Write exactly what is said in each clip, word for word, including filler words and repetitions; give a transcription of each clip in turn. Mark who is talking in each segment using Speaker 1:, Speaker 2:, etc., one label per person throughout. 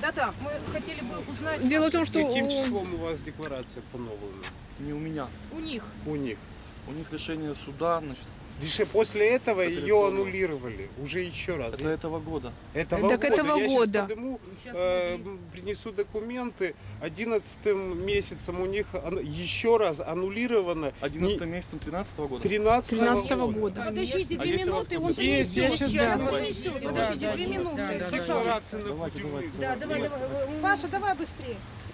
Speaker 1: Да-да, мы хотели бы узнать...
Speaker 2: Дело в том, что
Speaker 3: Каким
Speaker 2: у-
Speaker 3: числом у вас декларация поновлена?
Speaker 4: Не у меня.
Speaker 1: У них.
Speaker 3: У них.
Speaker 4: У них решение суда, значит,
Speaker 3: Лишь после этого ее
Speaker 4: Апелляционного.
Speaker 3: аннулировали. Уже еще раз.
Speaker 4: это этого года.
Speaker 3: Этого
Speaker 2: Так
Speaker 3: года.
Speaker 2: этого
Speaker 3: Я
Speaker 2: года.
Speaker 3: сейчас подниму, э, принесу документы. Одиннадцатым месяцем у них ан- еще раз аннулировано.
Speaker 4: одиннадцатым месяцем тринадцатого года.
Speaker 2: тринадцатого года.
Speaker 1: Подождите,
Speaker 4: А
Speaker 1: две
Speaker 4: если у вас
Speaker 1: минуты, он
Speaker 4: тут
Speaker 3: есть,
Speaker 1: принесет.
Speaker 3: есть,
Speaker 1: Сейчас
Speaker 3: да.
Speaker 1: принесет. Подождите, две минуты.
Speaker 3: Декларация на
Speaker 4: Давайте,
Speaker 3: пути
Speaker 4: давайте.
Speaker 1: Да, давай, давай. Паша, давай быстрее.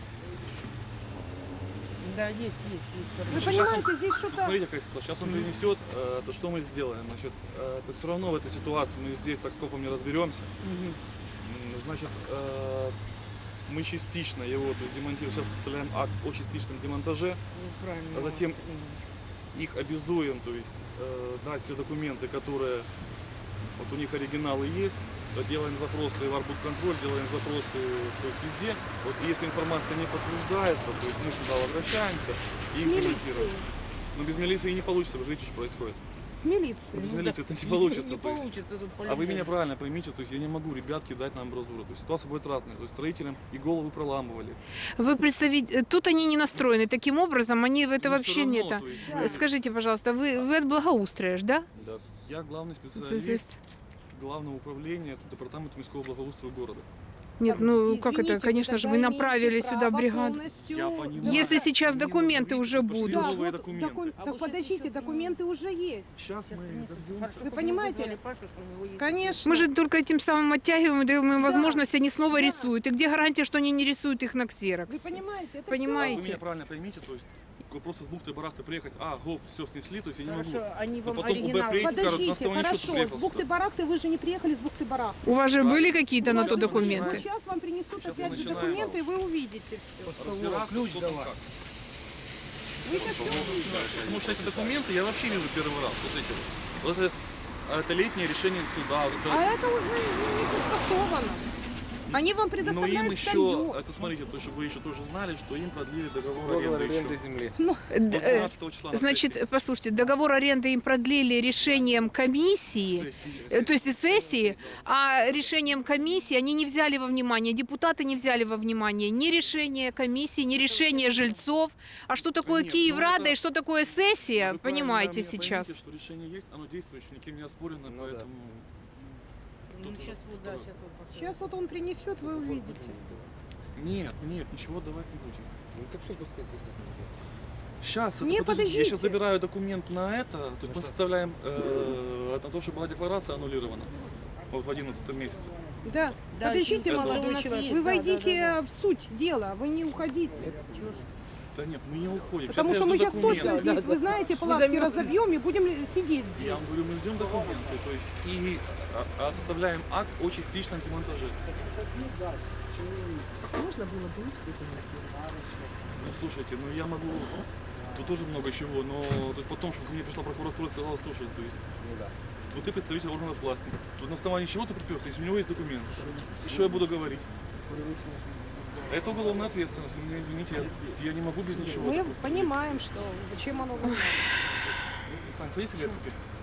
Speaker 5: Да, есть, есть, есть.
Speaker 1: Вы
Speaker 4: Сейчас
Speaker 1: понимаете, здесь что-то...
Speaker 4: Смотрите, какая ситуация. Сейчас он принесет, э, то что мы сделаем? Значит, э, это все равно в этой ситуации мы здесь так скопом не разберемся. М, Значит, э, мы частично его то есть, демонтируем. Сейчас составляем акт о частичном демонтаже,
Speaker 5: Правильно.
Speaker 4: а затем их обязуем, то есть э, дать все документы, которые вот у них оригиналы есть. Делаем запросы в Арбудконтроль, делаем запросы то есть, везде. Вот если информация не подтверждается, то есть мы сюда возвращаемся и
Speaker 1: С милицией.
Speaker 4: имплементируем. Но без милиции не получится, вы же видите, что происходит.
Speaker 1: С милицией.
Speaker 4: Без
Speaker 5: Ну
Speaker 4: милиции
Speaker 5: да.
Speaker 4: это не получится.
Speaker 5: Не
Speaker 4: то есть.
Speaker 5: получится тут
Speaker 4: А вы
Speaker 5: по-любому.
Speaker 4: меня правильно поймите, то есть я не могу ребят кидать на амбразуру. То есть ситуация будет разная. То есть строителям и головы проламывали.
Speaker 2: Вы представите, тут они не настроены таким образом, они в это
Speaker 4: Но
Speaker 2: вообще
Speaker 4: всё
Speaker 2: не
Speaker 4: равно,
Speaker 2: это.
Speaker 4: то есть мы-
Speaker 2: Скажите, пожалуйста, вы, вы от благоустроишь, да?
Speaker 4: Да. Я главный специалист
Speaker 2: Специалист.
Speaker 4: главного управления департамента міського благоустрою города.
Speaker 2: Нет, ну как
Speaker 1: Извините,
Speaker 2: это, конечно же, вы
Speaker 1: тогда
Speaker 2: направили
Speaker 1: имеете
Speaker 2: сюда
Speaker 1: право
Speaker 2: бригаду.
Speaker 1: полностью-
Speaker 4: Я понимаю.
Speaker 2: Если сейчас
Speaker 4: Мне
Speaker 2: документы
Speaker 4: нужно
Speaker 2: уже
Speaker 4: выйти, пошли
Speaker 2: будут.
Speaker 1: Да,
Speaker 4: новые
Speaker 1: вот
Speaker 4: документы.
Speaker 1: доку-
Speaker 5: А
Speaker 1: так
Speaker 5: вот
Speaker 1: подождите,
Speaker 5: сейчас
Speaker 1: документы уже есть.
Speaker 4: Сейчас мы добьемся.
Speaker 5: Хорошо,
Speaker 1: Вы
Speaker 5: что
Speaker 1: понимаете?
Speaker 5: вызвали Пашу, что у него есть.
Speaker 1: Конечно.
Speaker 2: Мы же только этим самым оттягиваем и даем им возможность, они снова рисуют. И где гарантия, что они не рисуют их на
Speaker 1: Вы
Speaker 2: ксерокс?
Speaker 1: понимаете? Это
Speaker 2: Понимаете?
Speaker 4: Вы меня правильно поймите, то есть просто с бухты-барахты приехать, а, гоп, все снесли, то есть я не могу.
Speaker 5: Хорошо, они
Speaker 4: Но
Speaker 5: вам
Speaker 4: потом УБ
Speaker 5: оригинал.
Speaker 4: приедет,
Speaker 1: все.
Speaker 4: скажут, на
Speaker 1: Подождите,
Speaker 4: основании чего ты
Speaker 1: хорошо.
Speaker 4: приехал
Speaker 1: С
Speaker 4: сюда?
Speaker 1: бухты-барахты вы же не приехали с бухты-барахты.
Speaker 2: У вас же
Speaker 4: Правильно.
Speaker 2: были какие-то на то
Speaker 4: Сейчас мы
Speaker 2: документы?
Speaker 1: Сейчас вам принесут
Speaker 4: Сейчас мы
Speaker 1: опять же
Speaker 4: начинаем.
Speaker 1: документы, и вы увидите все.
Speaker 4: Разбираться,
Speaker 5: ключ
Speaker 4: что там
Speaker 5: давай.
Speaker 4: как.
Speaker 1: Вы сейчас все увидите.
Speaker 4: Потому что эти документы я вообще вижу первый раз. Вот эти вот. Вот это, это летнее решение суда. Вот
Speaker 1: А
Speaker 4: это.
Speaker 1: это уже не согласовано. Они вам
Speaker 4: Но
Speaker 1: предоставляют
Speaker 4: им еще,
Speaker 1: статью.
Speaker 4: это смотрите, то, чтобы вы еще тоже знали, что им продлили договор
Speaker 3: Договор
Speaker 4: аренды
Speaker 3: аренды
Speaker 4: еще.
Speaker 3: земли.
Speaker 4: До
Speaker 2: Э,
Speaker 4: двенадцатого числа на
Speaker 2: Значит,
Speaker 4: сессии.
Speaker 2: послушайте, договор аренды им продлили решением комиссии,
Speaker 4: Сессии.
Speaker 2: э, то есть и сессии, а решением комиссии они не взяли во внимание, депутаты не взяли во внимание ни решение комиссии, ни решение жильцов. А что такое
Speaker 4: Нет,
Speaker 2: Киеврада
Speaker 4: ну это-
Speaker 2: и что такое сессия,
Speaker 4: Вы правильно
Speaker 2: понимаете
Speaker 4: меня
Speaker 2: сейчас.
Speaker 4: поймите, что решение есть, оно действующее, никем не оспорено,
Speaker 3: Ну да.
Speaker 4: поэтому...
Speaker 5: Ну, сейчас вот, да, сейчас вот. покажу.
Speaker 1: Сейчас вот он принесет, вы увидите.
Speaker 4: Нет, нет, ничего давать не будем.
Speaker 3: Ну так что пускай тут.
Speaker 4: Сейчас,
Speaker 1: Не,
Speaker 4: это, подождите, я сейчас
Speaker 1: подождите.
Speaker 4: забираю документ на это, то есть мы составляем э, на то, что была декларация аннулирована вот в одиннадцатом месяце.
Speaker 1: Да.
Speaker 5: Да,
Speaker 1: Подождите,
Speaker 5: это
Speaker 1: молодой
Speaker 5: у нас
Speaker 1: человек.
Speaker 5: есть,
Speaker 1: Вы
Speaker 5: да,
Speaker 1: войдите
Speaker 5: да,
Speaker 1: в суть дела, вы не уходите.
Speaker 4: Да нет, мы не уходим.
Speaker 1: Потому
Speaker 4: Сейчас
Speaker 1: что
Speaker 4: я
Speaker 1: мы
Speaker 4: жду
Speaker 1: сейчас
Speaker 4: документы.
Speaker 1: точно здесь, вы знаете, палатки разобьем и будем сидеть
Speaker 4: Я
Speaker 1: здесь.
Speaker 4: вам говорю, мы ждем документы, то есть и а, а, составляем акт о частичном демонтаже.
Speaker 5: Можно было бы все это
Speaker 4: Ну слушайте, ну я могу, тут тоже много чего, но то есть потом, чтобы ко мне пришла прокуратура и сказала, слушай, то есть вот ты представитель органов власти, тут на основании чего ты приперся, если у него есть документ, и что я буду говорить? Это уголовная ответственность, вы меня извините, я, я не могу без ничего.
Speaker 1: Мы
Speaker 4: допустим.
Speaker 1: понимаем, что зачем оно вам надо.
Speaker 4: Сань, садись, Глеб, теперь.